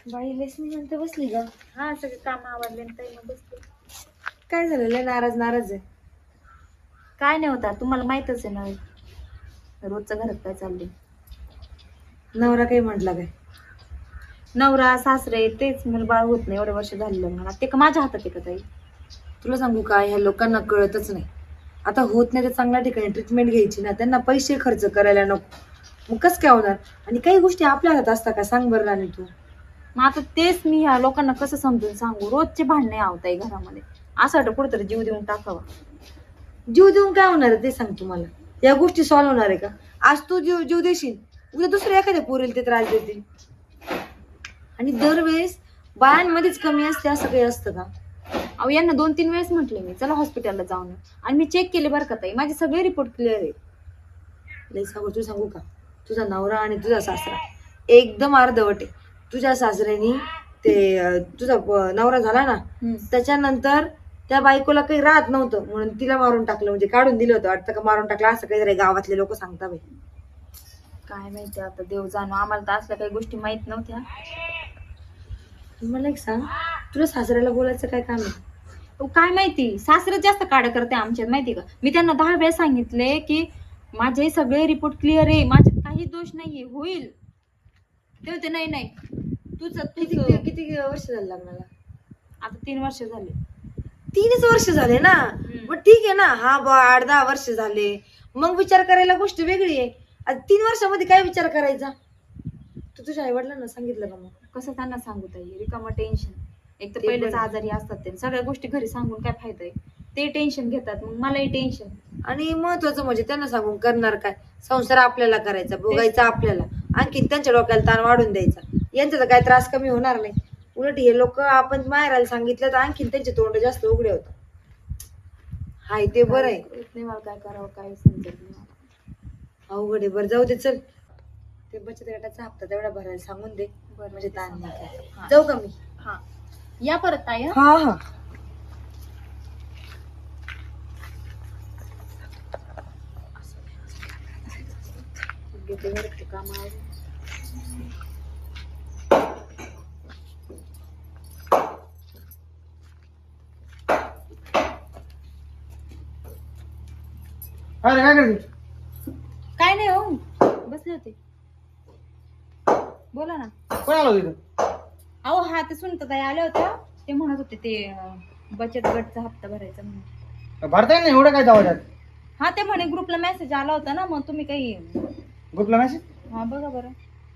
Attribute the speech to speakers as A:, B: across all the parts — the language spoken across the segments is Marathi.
A: बाई लेसनी म्हणते बसली ग.
B: हा सगळे काम आवडले ताई मग बसते.
A: काय झालं लय नाराज आहे.
B: काय नाही होता तुम्हाला माहितच आहे ना रोजचं घरात काय चाललंय.
A: नवरा काही म्हटला काय?
B: नवरा सासरे तेच मला बाळ होत नाही एवढे वर्ष झाले मला ते का माझ्या हातात आहे का ताई.
A: तुला सांगू का, ह्या लोकांना कळतच नाही. आता होत नाही तर चांगल्या ठिकाणी ट्रीटमेंट घ्यायची ना, त्यांना पैसे खर्च करायला नको. मग कसं काय होणार? आणि काही गोष्टी आपल्या हातात असतात का सांग बरं राणी तू.
B: मग आता तेच मी ह्या लोकांना कसं समजून सांगू, रोजचे भांडणे आवताई घरामध्ये. असं वाटतं कुठेतरी जीव देऊन टाकावा.
A: जीव देऊन काय होणार आहे ते सांग तुम्हाला. या गोष्टी सॉल्व्ह होणार आहे का? आज तू जीव देशील, उद्या दुसऱ्या एखाद्या पोरीला ते त्रास देतील. आणि दरवेळेस बायांमध्येच कमी असते असं काही असतं का?
B: अहो यांना 2-3 वेळेस म्हटले मी चला हॉस्पिटलला जाऊन आणि मी चेक केले बरं का ताई, माझे सगळे रिपोर्ट क्लिअर आहे.
A: लई सांगू का, तुझा नवरा आणि तुझा सासरा एकदम अर्धवट आहे. तुझ्या सासऱ्यानी ते तुझा नवरा झाला ना, त्याच्यानंतर त्या बायकोला काही राहत नव्हतं म्हणून तिला मारून टाकलं, म्हणजे काढून दिलं होतं वाटतं का मारून टाकलं असं काहीतरी गावातले लोक सांगता बाई.
B: काय माहिती आता देव जाणो, आम्हाला तर असल्या काही गोष्टी माहित नव्हत्या.
A: मला एक सांग, तुला सासऱ्याला बोलायचं काय काम आहे?
B: काय माहिती सासरे जास्त काढ करते आमच्यात माहिती का. मी त्यांना 10 वेळेस सांगितले की माझे सगळे रिपोर्ट क्लिअर आहे, माझ्यात काही दोष नाहीये, होईल. ते होते नाही तुझं
A: किती वर्ष झालं लग्नाला?
B: आता 3 वर्ष झाले.
A: 3च वर्ष झाले ना. मग ठीक आहे ना, हा 8-10 वर्ष झाले, मग विचार करायला गोष्ट वेगळी आहे. आता 3 वर्षामध्ये काय विचार करायचा? तू तुझ्या आई वडिलांना सांगितलं का? मग
B: कसं त्यांना सांगू ताई, रिकामं टेन्शन. एक तर पहिलेच आजारी असतात ते, सगळ्या गोष्टी घरी सांगून काय फायदा आहे. ते टेन्शन घेतात, मग मलाही टेन्शन.
A: आणि महत्वाचं म्हणजे त्यांना सांगून करणार काय? संसार आपल्याला करायचा, भोगायचा आपल्याला, आणखी त्यांच्या डोक्याला ताण वाढून द्यायचा. यांचा तर काय त्रास कमी होणार नाही. उलट हे लोक आपण माहेराला सांगितलं तर आणखीन त्यांचे तोंड जास्त उघडे होतात. हाय ते बरं आहे.
B: नाही मला काय करावं काय समजत नाही मला.
A: अवघड आहे. बरं जाऊ दे, चल ते बचत गटाचा हप्ता तेवढा भरायला सांगून दे,
B: बरं
A: म्हणजे ताण नाही काय.
B: हा.
A: जाऊ का मी?
B: हा या परत ताई.
A: हा हा.
B: घेते बरं ते कामावर.
C: अरे काय करते?
B: काय नाही हो, बसले होते. बोला ना.
C: कोण आलो तिथं?
B: अहो हा ते सुनताई आल्या होत्या, ते म्हणत होते ते बचत गटचा हप्ता भरायचा म्हणून.
C: भरताय ना एवढं काय दावाच्यात?
B: हा ते म्हणे ग्रुपला मेसेज आला होता ना, मग तुम्ही काही.
C: ग्रुपला मेसेज?
B: हा बघा बरं.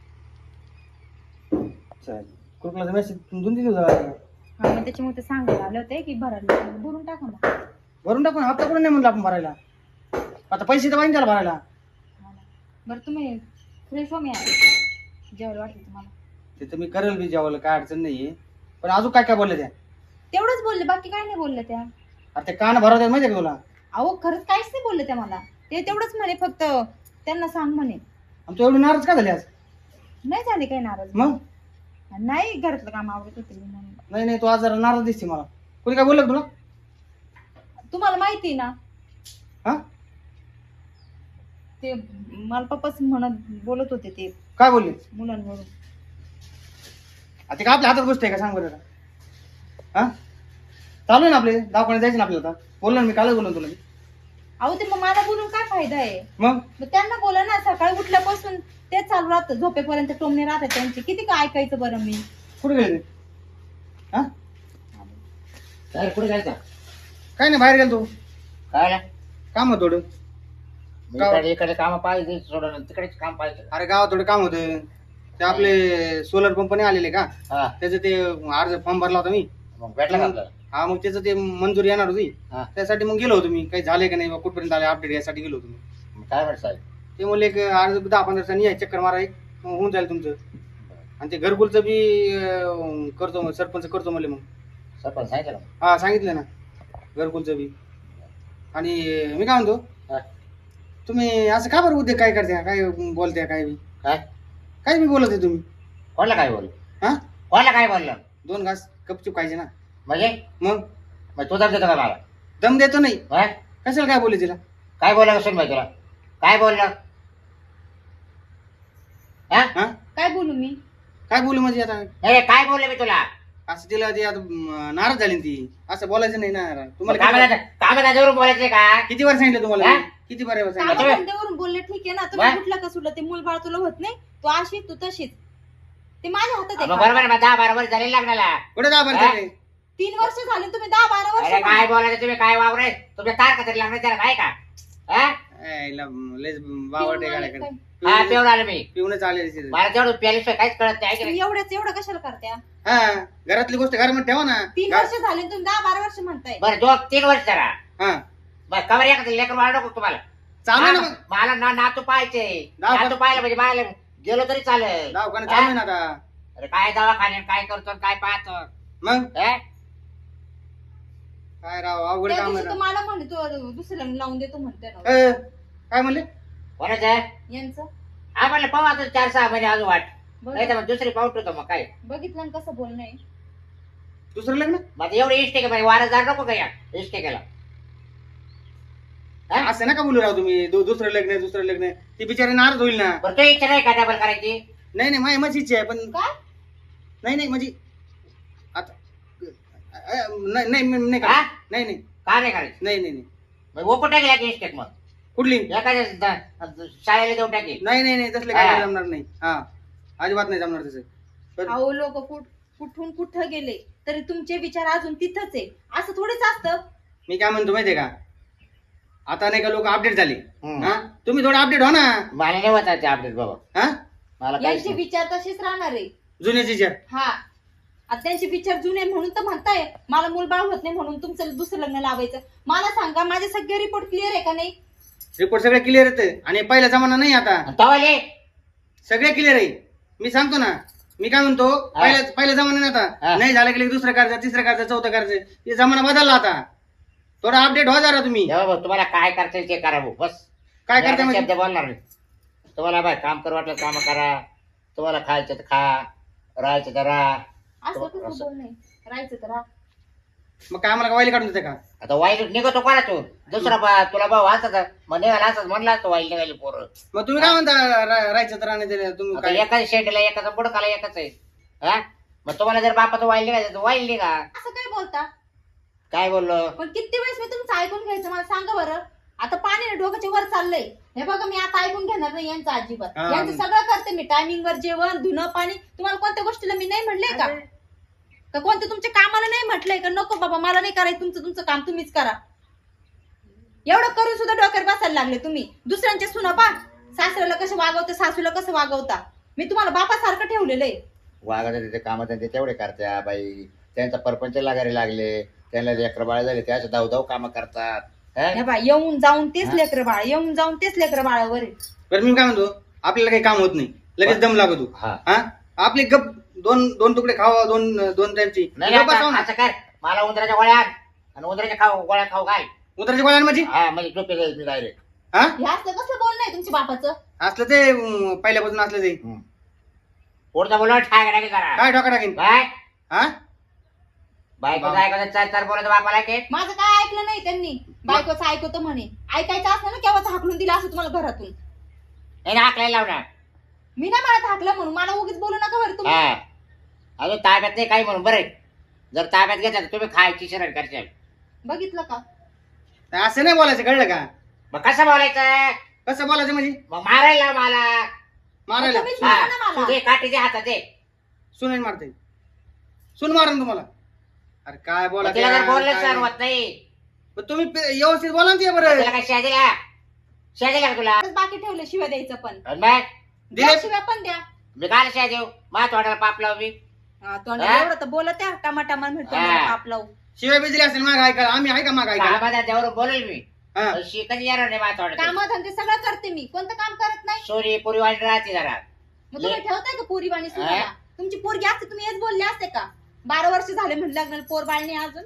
C: ग्रुपला मेसेज 2-3 दिवस
B: हा मग त्याच्यामुळे ते सांगायला आले होते की भरायला, भरून टाका मग.
C: भरून टाकून हप्ता कोण नाही म्हणलं आपण भरायला. आता पैसे तर पाहिजे त्याला भरायला.
B: बरं तुम्ही फ्रेश हो, मी जेवायला वाटलं तुम्हाला.
C: ते तर मी करेल बी जेवायला, काय अडचण नाहीये. पण अजून काय काय बोलले त्या?
B: तेवढंच बोलले, बाकी काय नाही बोलले त्या.
C: आता ते कान भरवतात माहितीये का तुला?
B: अहो खरंच काहीच नाही बोलले त्या मला. ते तेवढंच म्हणे फक्त त्यांना सांग म्हणे.
C: आमच्या एवढी नाराज का झाली आज?
B: नाही झाले काही नाराज.
C: मग
B: नाही घरातलं काम आवडत होते मी म्हणून.
C: नाही तू आज जरा नाराज दिसते मला. कोणी काय बोललं का तुला?
B: तुम्हाला माहिती ना
C: हा
B: ते मला पप्पाच म्हणत बोलत होते ते
C: काय बोलले?
B: मुलांवरून.
C: आता काय आपल्या हातात गोष्ट आहे का सांग बरं? हा चालू आहे ना आपले, दवाखान्यात जायचं ना आपल्याला. आता बोललो ना मी, कालच बोललो तुला मी.
B: अहो ते मग मला बोलून काय फायदा आहे?
C: मग
B: त्यांना बोला ना, सकाळी उठल्यापासून ते चालू राहतं, झोपेपर्यंत टोमणे राहतात त्यांची. किती काय ऐकायचं बरं मी.
C: कुठे गेले ते? हा
D: काय कुठे जायचं?
C: काय नाही, बाहेर गेलो तू.
D: काय
C: काम होतं थोडं.
D: इकडे काम पाहिजे सोडून तिकडेच काम पाहिजे.
C: अरे गावात थोडं काम होतं. ते आपले सोलर पंप नाही आलेले का,
D: हा
C: त्याचं ते अर्ज फॉर्म भरला होता मी.
D: मग भेटला का आपल्याला?
C: हा मग त्याचं ते मंजुरी येणार होती.
D: हा.
C: त्यासाठी मग गेलो होतो मी, काही झाले का नाही कुठपर्यंत आले अपडेट यासाठी गेलो होतो मी.
D: मग काय म्हणत साहेब?
C: ते म्हणले एक अर्ज 10-15 दिवसांनी या चक्कर मारा, एक मग होऊन जाईल तुमचं. आणि ते घरकुलचं बी करतो, मग सरपंच करतो म्हणले. मग
D: सरपंच सांगितलं ना?
C: हा सांगितलं ना, घरकुलचं बी. आणि मी काय म्हणतो,
D: हा.
C: तुम्ही असं का बरं उद्योग काय करते, काय बोलते, काय बी
D: काय
C: बी बोलत आहे तुम्ही?
D: कोणाला काय बोल?
C: हा
D: कोणाला काय बोललं?
C: 2 घास गपचूप खायचे ना.
D: म्हणजे
C: मग
D: तू दम देतो का मला?
C: दम देतो नाही,
D: हा?
C: कशाला काय बोलले तिला?
D: काय बोलला कसं भाई तुला? काय बोललं? हा
C: हा
B: काय बोलू मी?
C: काय बोलू म्हणजे आता
D: अरे काय बोलले मी तुला
C: असं तिला ती आता नाराज झाली ना ती असं बोलायचं नाही ना तुम्हाला
D: कागदावरून बोलायचंय का
C: किती बार सांगितलं तुम्हाला
D: हा?
C: किती बार सांगितलं
B: कामाधंद्यावरून बोलले ठीक आहे ना, तुम्ही
D: वा?
B: कुठला का सुटलं, ते मूल बाळ तुला होत नाही, तू अशी तू तशीच, ते माझ्या हातात
D: मग
B: आहे.
D: बरोबर आहे, 10-12 वर्ष झाले लग्नाला.
C: कुठे दाबा
D: हा?
B: 3 वर्ष झाले, तुम्ही 10-12 वर्ष
D: अरे काय
B: झाले.
D: बोलायचं तुम्ही, काय वावराय तुमच्या तारखा तरी लागणार त्याला काय का हा?
C: लयच बावटे गाड्याकडे
D: हा पिऊन आलो मी,
C: पिऊनच आले
D: मला तेवढं प्यायल्याशिवाय काहीच कळत नाही,
B: तुम्ही एवढं कशाला करत्या?
C: हा घरातली गोष्ट घरामध्ये ठेवा ना
B: 3 वर्ष झाले, तुम्ही 10-12 वर्ष म्हणताय.
D: बरं 2-3 वर्ष जरा
C: हा
D: बरं कवर एखादं लेकर वाढ नको तुम्हाला.
C: चालू ना
D: हा,
C: मग
D: मला नातू पाहायचे,
C: दवाखाना-
D: नातू पाहिलं म्हणजे मला गेलो तरी चालेल.
C: दवाखाना चालू आहे ना आता
D: अरे काय दवाखान्यात काय करतो आणि काय पाहतो
C: मग
D: हा?
C: काय राव अवघड
B: त्या
C: काम
B: दिवशी
C: आहे
B: तो मला म्हणले तू दुसऱ्याला लावून देतो म्हणते ना.
C: राव. काय म्हणले
D: कोणाचं
B: यांचं
D: हा म्हणलं पाहू आता 4-6 महिने अजून वाट नाही तर
B: बघ-
D: मग दुसरी पाऊट होतो मग काय
B: बघितलं ना कसं बोलणं आहे.
C: दुसरं लग्न
D: मग एवढे इष्टे म्हणजे वारसदार नको का या इष्टे केला हा?
C: असं नका बोलू राव तुम्ही दुसरं लग्न ती बिचारी नाराज होईल ना
D: बरं तो इच्छा नाही का डबल करायची
C: नाही नाही माझी इच्छा आहे पण
B: काय
C: नाही म्हणजे आता नाही नाही नाही
D: हा?
C: नाही नाही
D: का नाही करायची
C: नाही नाही नाही
D: मग ओपो टाकला की इष्टेक मग
C: कुठली
D: एखाद्या शाळेला देऊन टाकेल
C: नाही नाही नाही तसलं काय
D: हा.
C: जमणार नाही हा अजिबात नाही जमणार तसं पण-
B: अहो लोक कुठून कुठं गेले तरी तुमचे विचार अजून तिथंच आहे, असं थोडीच असतं.
C: मी काय म्हणतो माहितीये का आता नाही का लोक अपडेट झाले
D: हम्म.
C: हा तुम्ही थोडं अपडेट हो ना
D: मला नाही वाचायचे अपडेट बाबा
C: हा
D: मला काहीच
B: यांचे
D: नाही.
B: विचार तसेच राहणार आहे.
C: जुन्याची विचार
B: हा आता त्यांचे विचार जुने म्हणून तर म्हणताय मला मूलबाळ होत नाही म्हणून तुमचं दुसरं लग्न लावायचं. मला सांगा माझे सगळे रिपोर्ट क्लिअर आहे का नाही?
C: रिपोर्ट सगळे क्लिअर येते आणि पहिला जमाना नाही आता
D: आणि तवाले
C: सगळे क्लिअर आहे मी सांगतो ना मी काय म्हणतो पहिला जमाना नाही
D: हा.
C: आता नाही झालं की दुसरं करायचं तिसरं करायचं चौथं करायचं हे जमाना बदलला आता थोडा अपडेट हो जरा तुम्ही
D: जेव्हा भाऊ तुम्हाला काय करता ते करा भाऊ बस
C: काय
D: मी
C: करता
D: आता
C: म्हणजे
D: शब्द बोलणार नाही तुम्हाला बाय काम कर वाटलं काम करा तुम्हाला खायचं तर खा राहायचं तर राहा
B: असं कसं
D: असं.
B: बोल नाही राहायचं तर राहा.
C: मग काय आम्हाला वाईल काढून देते का
D: आता वाईल निघतो कोणा तू दुसरा तुला भाऊ असत मग निघाला असत म्हणला असतो वाईल निघाली पोरं
C: मग तुम्ही काय म्हणता राहायचं तर राहण्याचं तुम्ही
D: आता
C: काय
D: एकाच शेंडीला एकाचा बुडकाला एकच आहे हा मग तुम्हाला जर बापाचं वाईल निघायचं तर वाईल निघा
B: असं काय बोलता?
D: काय बोललो
B: पण किती वेळेस मी तुमचं ऐकून घ्यायचं मला सांगा बरं. आता पाणी डोक्याच्या वर चाललंय हे बघा, मी आता ऐकून घेणार नाही यांचं अजिबात.
C: हा.
B: यांचं सगळं करते मी, टायमिंग वर जेवण धुणं पाणी. तुम्हाला कोणत्या गोष्टीला मी नाही म्हणले का? का कोणत्या तुमच्या कामाला नाही म्हटलंय का नको बाबा मला नाही करायचं तुमचं काम तुम्हीच करा? एवढं करून सुद्धा डोक्यावर बसायला लागले तुम्ही. दुसऱ्यांच्या सुना पा सासऱ्याला कसं वागवता सासूला कसं वागवता. मी तुम्हाला बापासारखं ठेवलेलं आहे.
D: वागायचं तिथे कामं त्यांचे तेवढे करत्या बाई त्यांचा परपंच लागायला लागले त्यांना लेकर बाळ झाले ते असे धावधाव कामं करतात
B: हे बा येऊन जाऊन तेच लेकर बाळ येऊन जाऊन तेच लेकर बाळावर आहे.
C: बरं मी काय म्हणतो आपल्याला काही काम होत नाही लगेच दम लागतो
D: हा
C: हा आपली गप दोन तुकडे खावा दोन टाइमची
D: नाही आता असं कर मला उंदराच्या गोळ्या आण आणि उंदराच्या गोळ्या खाऊ घाल
C: उतराच्या गोळ्या माझी
D: हा म्हणजे झोपे जाईल मी डायरेक्ट
C: हा
B: हे असलं कसलं बोलणं आहे तुमच्या बापाचं?
C: असलं ते पहिल्यापासून असलं ते
D: पुढचा बोलवा ठाक टाकी करा
C: काय ठोका टाकेन
D: बाय
C: हा
D: बायकोचं ऐकायचं चार चार बोलायचं बापाला की
B: माझं काय ऐकलं नाही त्यांनी. बायकोचं ऐकवतं म्हणे. ऐकायचं असलं ना केव्हाच हाकलून दिलं असं तुम्हाला घरातून.
D: नाही हाकलायला लावणार
B: मी ना मला हाकलं म्हणून मला उगीच बोलू नका बरं तुम्ही.
D: हा अजून ताब्यात नाही काही म्हणून बरं जर ताब्यात घेतलं तर तुम्ही खायची शरण करशाल
B: बघितलं का?
C: असं नाही बोलायचं कळलं का
D: मग कसं बोलायचं
C: कसं बोलायचं म्हणजे
D: मग मारायला लाव मला
C: मारायला
B: तुम्हीच
D: हा,
B: मारा ना मला.
D: तू दे काठीच्या हातात दे
C: सुन मारते सुन मारा तुम्हाला अरे काय
D: मग तिला जर बोललं सर
C: बोला
D: होत नाही
C: तुम्ही व्यवस्थित बोला ना ते बरं
D: तिला काय शेजायला का तुला
B: बाकी ठेवलं शिवाय द्यायचं पण.
D: आणि मग
C: दिले
B: द्या शिवाय पण द्या.
D: मी काय शेज देऊ मा तोंडाला पाप लाव मी
B: हा, तोंडाला एवढं तर बोलत त्या टमाटा म्हणतो
D: हा.
B: पाप लावू.
C: शिवाय बिजली असेल माग ऐका आम्ही ऐका माग ऐका
D: कामाला त्यावर बोलेल मी
C: हा
D: शिकत येणार नाही मा तोंडात
B: कामधंदे सगळं करते मी. कोणतं काम करत नाही?
D: सोरी पुरी वाईट राहते जरा
B: मग तुम्ही ठेवताय का पोरी बाणी सुनाला? तुमची पोरगी असते तुम्ही हेच बोलले असते का? 12 वर्ष झाले म्हणलं लग्नाला पोर बाळणी अजून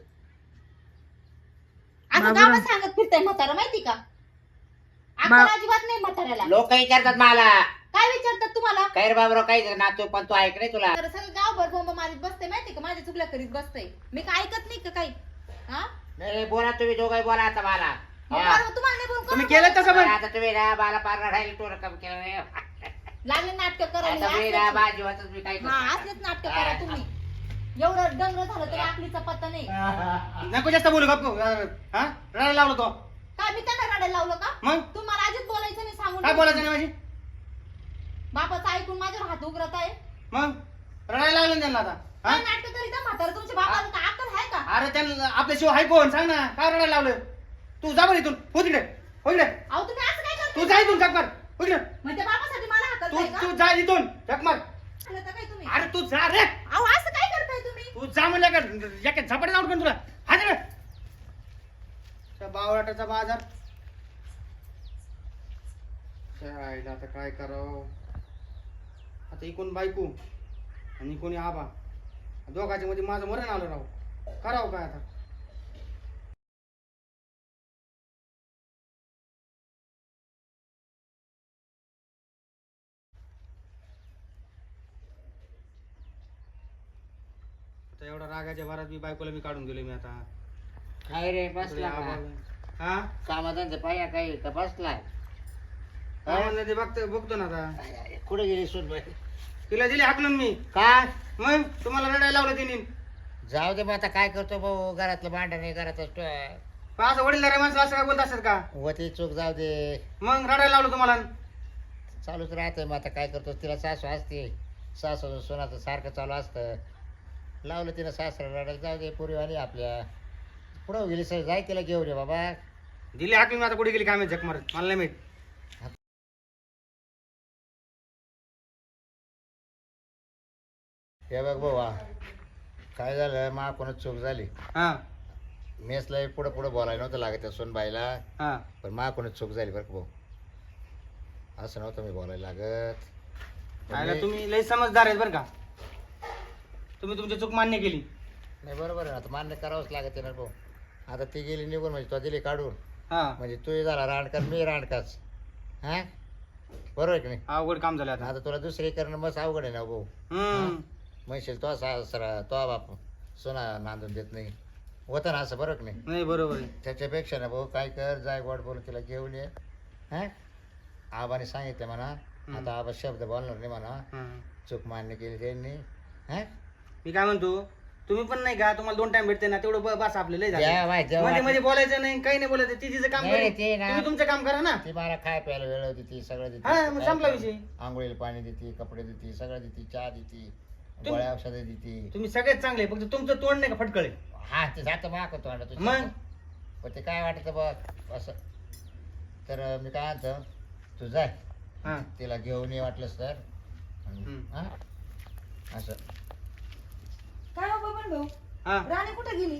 B: असं
A: बाबा.
B: गावात सांगत फिरताय म्हातारा माहिती का? आपण अजिबात नाही म्हाताऱ्याला.
D: लोक विचारतात मला
B: काय विचारतात तुम्हाला?
D: काय रे बाबरो काय नातू पण तू ऐक रे तुला
B: तर सगळं गावभर बोंब मारीत बसते माहिती का? माझ्या चुकल्या करीत बसते. मी काय ऐकत नाही का काही? हा?
D: नाही बोला तुम्ही दोघंही बोला आता मला
B: मग
D: हा.
B: बरं, तुम्हाला नाही बोलून
C: तुम्ही
B: कोण
C: केलं तसं पण
D: आता तुम्ही ना मला पार राहिली तो रक्कम केलं नाही
B: लागले नाटक
D: आता मी ना
B: करायला
D: माझ्या जीवातच मी काय
B: हा
D: करतो
B: असलेच नाटक करा तुम्ही. एवढं डंगर झालं तरी आपलीचा पत्ता नाही.
C: नको जास्त बोलू गप्प हा रडायला लावलो तो
B: काय मी त्यांना रडायला लावलं का?
C: मग
B: तुम्हाला अजित बोलायचं नाही सांगून.
C: काय बोलायचं नाही माझी
B: बापाचं ऐकून माझ्यावर हात उघडत आहे.
C: मग रडायला लागलं ना त्यांना आता
B: काय
C: हा
B: नाटक करीता म्हातारं तुमच्या बापाला काय अक्कल आहे का?
C: अरे त्यांना आपल्याशिवाय हाय कोण सांग ना काय रडायला लावलं तू जा बरं इथून हो तिकडे हो इकडे
B: अहो तुम्ही असं काय
C: तू
B: करता?
C: जा इथून झक मार हो इकडे
B: म्हणजे बापासाठी मला हाकलताय
C: तू
B: का?
C: तू जा इथून झक मार
B: झालं तर काय तुम्ही?
C: अरे तू जा रे
B: अहो असं काय करताय तुम्ही?
C: तू जा म्हणलं का एका झपाट्यात आउट तुला हा तिकडे त्या बावळाटाचा बाजार आईला आता काय करावं आता इकून बायको आणि कोणी आबा दोघांच्या मध्ये माझं मरण आलं राव करावं काय आता आता एवढा रागाच्या भरात मी बायकोला मी काढून गेलो मी आता
D: काय रे
C: इकडे
D: बसला
C: आबा
D: का?
C: हा
D: कामाधांचे पाया काही का बसलाय
C: काय म्हणलं ते बघतो ना आता
D: कुठे गेली सुनबाई
C: तिला दिली हाकलून मी
D: का
C: मग तुम्हाला रडायला लावलं तिने
D: जाऊ दे मग आता काय करतो भाऊ घरातलं भांडण आहे घरातच
C: पण असं वडीलधाऱ्या माणसं असं काय बोलत असतात का
D: वती चूक जाऊ दे
C: मग रडायला लावलं तुम्हाला
D: चालूच राहतंय मग आता काय करतो तिला सासू असते सासू सोनाचं सारखं चालू असतं लावलं तिला सासरा रडायला जाऊ दे पुरीवाली आपल्या पुढं गेली सर जाय तिला घेऊन ये बाबा
C: दिली हाकलून आता कुठे गेली काय माहिती झक मारत मला नाही माहित
D: हे बघ भाऊ काय झालं मा कोणाच चूक झाली
C: हा
D: मेसला पुढं पुढं बोलायला नव्हतं लागत त्या सोनबाईला
C: हा
D: पण मा कोणाच चूक झाली बरं का भाऊ असं नव्हतं मी बोलायला लागत पण
C: आयला
D: मी-
C: तुम्ही लय समजदार आहेत बरं का तुम्ही तुमची चूक मान्य केली
D: नाही बरोबर आहे आता मान्य करावंच लागत ना भाऊ आता ती गेली निघून म्हणजे तो दिली काढून
C: हा
D: म्हणजे तू झाला रांडकार मी रांडकाच हा बरोबर आहे की नाही
C: अवघड काम झालं आता
D: आता तुला दुसरी करणं मस्त अवघड आहे ना भाऊ
C: हम्म
D: म्हणशील तो सासरा तो बाप सोना नांदून देत नाही होतं ना असं बरोबर की नाही
C: नाही बरोबर आहे
D: त्याच्यापेक्षा ना भाऊ काय कर जाय गोड बोलून तिला घेऊन ये हा आबाने सांगितलं म्हणा आता आबा शब्द बोलणार नाही म्हणा
C: हम्म.
D: चूक मान्य केली त्यांनी हा
C: मी काय म्हणतो तुम्ही पण नाही का तुम्हाला 2 टाइम भेटते ना तेवढं बस आपलं लय झालं
D: जेव्हा जेव्हा
C: मध्ये मध्ये बोलायचं नाही काही नाही बोलायचं ती तिचं काम
D: नाही,
C: करेल
D: ते ना.
C: तुम्ही तुमचं काम करा ना
D: ती मला खाय प्यायला वेळ देते सगळं
C: हा मग संपला
D: देते
C: विषय
D: आंघोळीला पाणी देते कपडे देते सगळं देते चहा देते
C: तुम-
D: गोळ्या औषधं देते
C: तुम्ही सगळेच चांगले फक्त तुमचं तोंड नाही का फटकळे
D: हा ते जातं माग होतो आणि
C: मग?
D: पण ते काय वाटत बघ असं तर मी काय म्हणतो तू जाय
C: हा
D: तिला घेऊन ये वाटलंस तर
C: हम्म.
D: हा असं
A: काय हो बबन भाऊ
C: हा
A: राणी कुठे गेली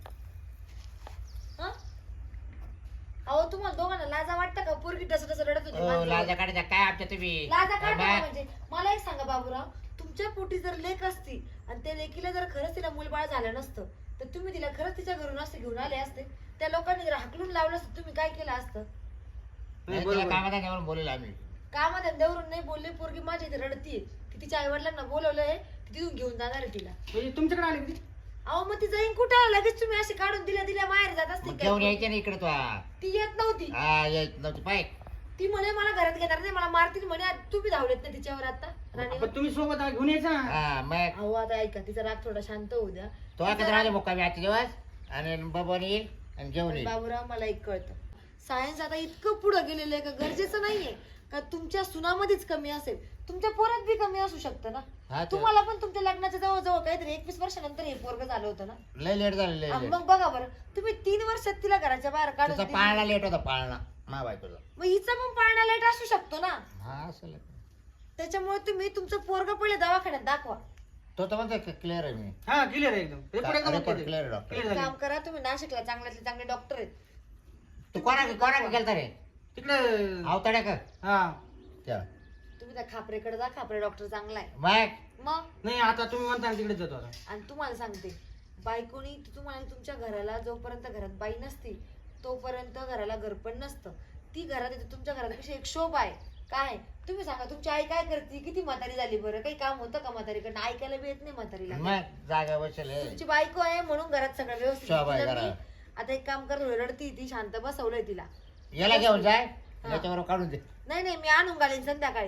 A: हं? अहो तुम्हाला दोघांना लाजा वाटतं का पोरगी तसं तसं रडत होती
D: ओ
A: माणसं.
D: लाजा काढायचा काय आमच्या तुम्ही
A: लाजा काढता
D: बाबा,
A: म्हणजे मला एक सांगा बाबूराव तुमच्या पोटी जर लेक असती आणि त्या लेकीला जर खरंच तिला मूलबाळ झालं नसतं तर तुम्ही तिला खरंच तिच्या घरून असते घेऊन आले असते त्या लोकांनी जर हाकलून लावलं असतं तुम्ही काय केलं असतं
C: नाही
D: नाही, तिला
C: बरोबर
D: कामात त्याच्यावरून बोलेल आम्ही
A: कामाधंद्यावरून नाही बोलले पोरगी माझी इथे रडतीये ती तिच्या आई वडिलांना बोलवलंय ती तिथून घेऊन जाणार आहे तिला
C: म्हणजे तुमच्याकडे आली किती
A: अहो मग ती जाईन कुठं लगेच तुम्ही असे काढून दिल्या माहेर जात असते
D: मग घेऊन
A: काय?
D: यायचे ना इकडे तू हा.
A: ती येत नव्हती
D: हा येत नव्हती पाय
A: ती म्हणे मला घरात घेणार नाही मला मारतील म्हणे आज तुम्ही धावलेत ना तिच्यावर आता राणीवर
C: पण तुम्ही सोबत घेऊन यायचं ना
D: हा मग
A: अहो आता ऐका तिचा राग थोडा शांत होऊ द्या
D: तो आता राहिले मुक्कामी आजचे दिवस आणि बाबा येईल आणि घेऊन येईल
A: बाबूराव मला एक कळतं सायन्स आता इतकं पुढं गेलेलं आहे का गरजेचं नाहीये का तुमच्या सुनामध्येच कमी असेल तुमच्या पोरात बी कमी असू शकतं ना
D: हा ते-
A: तुम्हाला पण तुमच्या लग्नाच्या जवळ काहीतरी 21 वर्षानंतर हे पोरग झालं होतं ना
D: लय लेट झालं लय लेट
A: मग बघा बरं तुम्ही 3 वर्षात तिला घराच्या बाहेर काढून
D: तुझा
A: दिली.
D: पाळणा लेट होता पाळणा मा बायकोचा
A: मग हिचा पण पाळणा लाईट असू शकतो ना
D: हा असेल
A: त्याच्यामुळे तुम्ही तुमचं पोरग पहिले दवाखान्यात दाखवा
D: तो तर म्हणतो क्लिअर आहे मी
C: हा क्लिअर आहे एकदम रिपोर्ट एकदम
D: रिपोर्ट
C: okay
D: क्लिअर आहे
C: आहे.
D: डॉक्टर
C: Clear
A: एक
C: झाली.
A: काम करा तुम्ही नाशिकला चांगल्यातले चांगले डॉक्टर आहेत
D: तू कोणा गेलता रे
C: तिकडे
D: अवताड्या का
C: हा
D: त्या
A: तुम्ही त्या खापरेकडे जा खापरे डॉक्टर चांगला आहे
D: मग
A: मग
C: नाही आता तुम्ही म्हणता ना तिकडे जातो आता
A: आणि तुम्हाला सांगते बायकोनी तुम्हाला तुमच्या घराला जोपर्यंत घरात बाई नसती तोपर्यंत घराला घर पण नसतं ती घरात येते तुमच्या घरात कशी एक शोभा आहे काय तुम्ही सांगा तुमची आई काय करते किती म्हातारी झाली बरं काही काम होतं का म्हातारीकडनं ऐकायला बी येत नाही म्हातारीला
D: मग जागा बसेल हे.
A: तुमची बायको आहे म्हणून घरात सगळं व्यवस्थित
D: शोभा आहे
A: तिला मी-
D: घरात.
A: आता एक काम कर रडती ती शांत बसवलंय तिला
D: याला घेऊन जाय याच्यावर काढून दे
A: नाही नाही मी आणून घालीन संध्याकाळी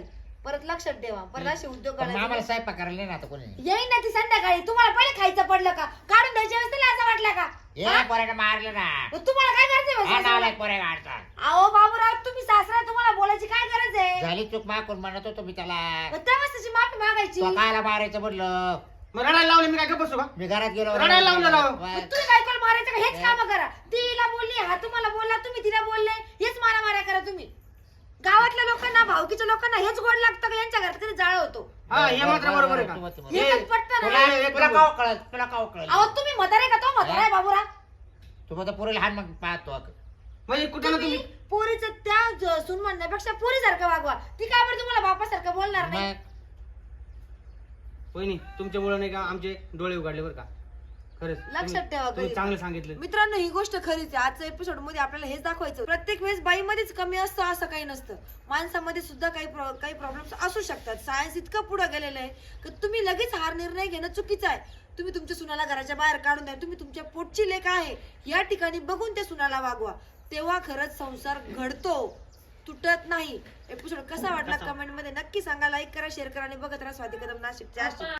A: परत लक्षात ठेवा, परत असे उद्योग
D: पण आम्हाला
A: करायचे.
D: स्वयंपाक करायला नाही ना आता कोणी
A: येईन ना ती संध्याकाळी. तुम्हाला पहिले खायचं पडलं का? काढून द्यायच्या वेळेस त्याला असं वाटलं का?
D: ये पोराने मारलं ना
A: मग तुम्हाला काय करायचंय
D: हा
A: बा
D: नावला
A: सासऱ्याला?
D: पोरे गाडचा
A: अहो बाबूराव, तुम्ही सासरा, तुम्हाला बोलायची काय गरज आहे?
D: झाली चूक मागून म्हणत होतो मी त्याला
A: मग तेव्हाच त्याची माफी मागायची.
D: तो कायला मारायचं म्हणलं
C: मग रडायला लावले मी काय का बसू का?
D: मी घरात गेलो
C: रडायला लावलं राव.
A: मग तुम्ही बायकोला मारायचं का? हेच काम करा. तिला बोलली, हा तुम्हाला बोलला, तुम्ही तिला बोलले, हेच मारामाऱ्या करा तुम्ही. गावातल्या लोकांना, भावकीच्या लोकांना हेच गोड लागतं का यांच्या घरात कधी जाळ होतो?
C: हा हे मात्र बरोबर आहे का?
A: हे
C: हे-
A: तर पटतं
D: तुला
A: ना.
D: तुला काव कळत तुला काव कळत
A: अहो तुम्ही म्हातारे का? तो म्हातारा आहे बाबूराव.
D: तू मग पुरेल हान मग पाहतो
C: म्हणजे कुठं ना
A: तुम्ही
C: तुम्ही
A: पोरीचं त्या सून म्हणण्यापेक्षा पोरीसारखं वागवा. ती का बरं तुम्हाला बापासारखं बोलणार नाही?
D: मग
C: वहिनी तुमच्यामुळे नाही का आमचे डोळे उघडले बरं का, खरंच
A: लक्षात ठेवा
C: तुम्ही
A: कधी.
C: चांगलं सांगितलं.
A: मित्रांनो, ही गोष्ट खरीच आहे. आजच्या एपिसोड मध्ये आपल्याला हेच दाखवायचं. प्रत्येक वेळेस बाईमध्येच कमी असतं असं काही नसतं. माणसामध्ये सुद्धा काही प्रॉब्लेम्स असू शकतात. सायन्स इतकं पुढे गेलेलं आहे की तुम्ही लगेच हार निर्णय घेणं चुकीचं आहे. तुम्ही तुमच्या सुनाला घराच्या बाहेर काढून द्या. तुम्ही तुमच्या पोटची लेक आहे या ठिकाणी बघून त्या सुनाला वागवा. तेव्हा खरंच संसार घडतो, तुटत नाही. एपिसोड कसा वाटला कमेंट मध्ये नक्की सांगा. लाईक करा, शेअर करा आणि बघत राहा स्वाती कदम नाशिकच्या.